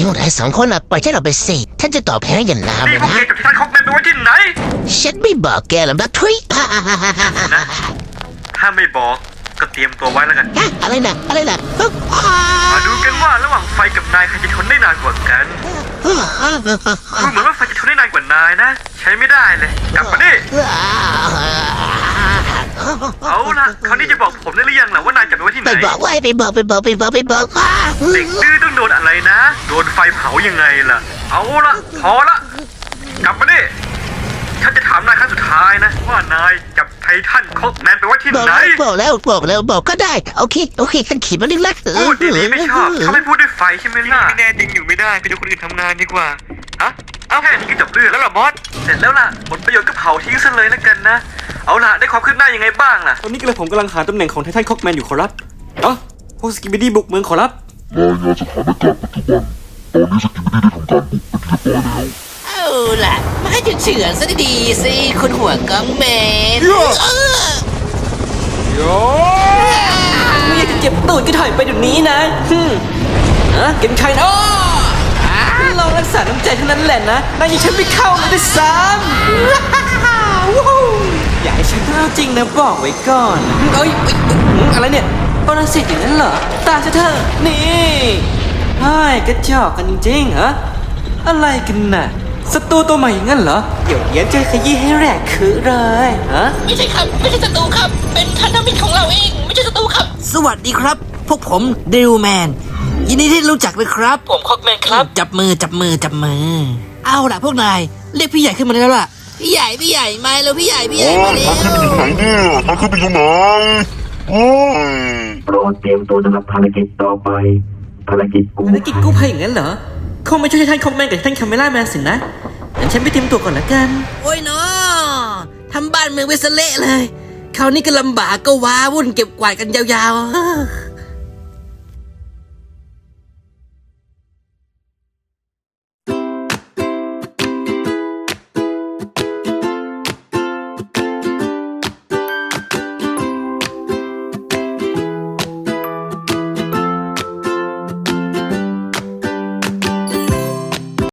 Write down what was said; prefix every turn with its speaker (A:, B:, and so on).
A: พวกนายสองคนปล่อยฉันออกไปสิท่านจะตอบแทนอย่างงามเลย
B: พวก
A: นะ
B: แกกับท่านคอกแมนไปไว้ที่ไหน
A: ฉันไม่บอกแกหรอกนะทุย
B: ถ้าไม่บอกก็เตรียมตัวไว้แล้วกัน
A: อะไรนะ
B: มาดูกันว่าระหว่างไฟกับนายใครจะทนได้นานกว่ากันดูเหมือนว่าไฟจะทนได้นานกว่านายนะ ใช้ไม่ได้เลยกลับมาดิเอาล่ะคราวนี้จะบอกผมได้หรือยังล่ะว่านายจับไปไว้ที่ไหน
A: ไปบอกเด็กดื้อ
B: ต้องโดนอะไรนะโดนไฟเผายังไงล่ะเอาล่ะพอละกลับมาดิฉันจะถามนายครั้งสุดท้ายนะว่านายจับไททันคอกแมนไปไว้ที่ไหน
A: บอกก็ได้โอเคฉันขีดมาเรื่องละ
B: พูดดีๆไม่ชอบเขาไม่พูดด้วยไฟใช่ไหมล่ะไม่แน่จริงอยู่ไม่ได้ไปดูคนอื่นทำงานดีกว่าฮะเอาแค่นี้ก็จบเรื่องแล้วล่ะบอสเสร็จแล้วล่ะผลประโยชน์ก็เผาทิ้งซะเลยแล้วกันนะเอาล่ะได้ความคืบหน้ายังไงบ้างล่ะ
C: ตอนนี้กระผมกำลังหาตำแหน่งของไททันคอกแมนอยู่ขอรับพวกสกิบิดี้บุกเมืองขอรับ
D: รายงานสถานการณ์ปัจจุบันตอนนี้สกิบิดี้ได้ทำการบุกเป็นที่เรียบร้อยแล้ว
A: เอาล่ะมาให้เฉือนซะดีๆสิคุณหัวกังแมน
C: ไม่อยากจะเจ็บตูดก็ถอยไปเดี๋ยวนี้นะเก็บใครนะลองรักษาน้ำใจเท่านั้นแหละนะนายยังฉันไม่เข้าเลยด้วยซ้ำอย่าให้ฉันเล่าจริงนะบอกไว้ก่อนอะไรเนี่ยปรสิตอย่างนั้นเหรอตาเธอนี่ไอ้กระจอกกันจริงๆเหรออะไรกันน่ะศัตรูตัวใหม่อย่างนั้นเหรอเดี๋ยวจะขยี้ให้แหลกคือเลย
E: ไม่ใช่ครับไม่ใช่ศัตรูครับเป็นพันธมิตรของเราเองไม่ใช่ศัตรูครับ
A: สวัสดีครับพวกผมดิวแมนยินดีที่รู้จักเลยครับ
E: ผมคอกแมนครับ
A: จับมือเอาล่ะพวกนายเรียกพี่ใหญ่ขึ้นมาได้แล้วล่ะพี่ใหญ่มาแล้วพี่ใหญ่มาแล้ว
D: ทางขึ้นไปอยู่ไหนเนี่ยทางขึ้นไปอยู่ไหน
F: โปรดเตรียมตัวสำหรับภารกิจต่อไปภารกิจ
C: กู้ภัยอย่างนั้นเหรอคงไม่ใช่ท่านคอมแมนกับท่านคาเมล่าแมนสินะงั้นฉันไปเตรียมตัวก่อนละกัน
A: โอ้ยเนาะทำบ้านเมืองไว้ซะเละเลยคราวนี้ก็ลำบากก็ว้าวุ่นเก็บกวาดกันยาวๆ